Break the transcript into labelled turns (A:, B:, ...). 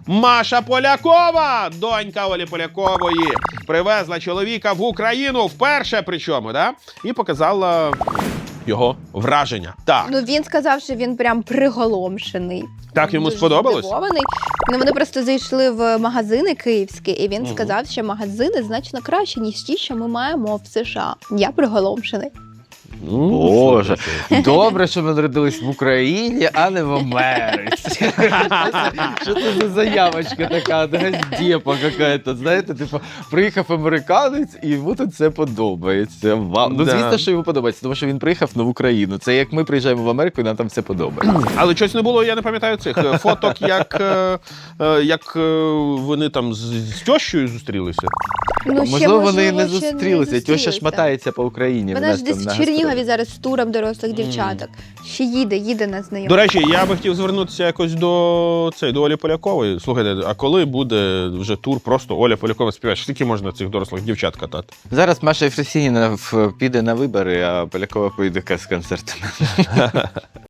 A: Маша Полякова, донька Олі Полякової, привезла чоловіка в Україну вперше, причому, да? І показала його враження. Так.
B: Ну, він сказав, що він прям приголомшений.
A: Так йому
B: Дуже
A: сподобалось?
B: здивований. Ну, вони просто зайшли в магазини київські, і він сказав, що магазини значно краще, ніж ті, що ми маємо в США. Я приголомшений.
C: Боже, добре, що ми народились в Україні, а не в Америці. Що це за заявочка така, газдепа какая-то, знаєте, типу, приїхав американець і йому тут це подобається. Вау. Ну,
A: Да.
C: звісно, що йому подобається, тому що він приїхав в Україну. Це як ми приїжджаємо в Америку, і нам там все подобається.
A: Але щось не було, я не пам'ятаю цих фоток, як вони там з тещою зустрілися.
B: Ну, ще,
C: Можливо, вони
B: можливо,
C: не
B: ще
C: зустрілися. Тьоща ж мотається по Україні.
B: Вона ж
C: там
B: десь
C: на
B: в Чернігові
C: гастролі.
B: зараз з туром дорослих дівчаток. Ще їде на знайомство.
A: До речі, я би хотів звернутися якось до Олі Полякової. Слухайте, а коли буде вже тур просто Оля Полякова співає? Скільки можна цих дорослих дівчат катати?
C: Зараз Маша Єфросініна піде на вибори, а Полякова поїде з концертами.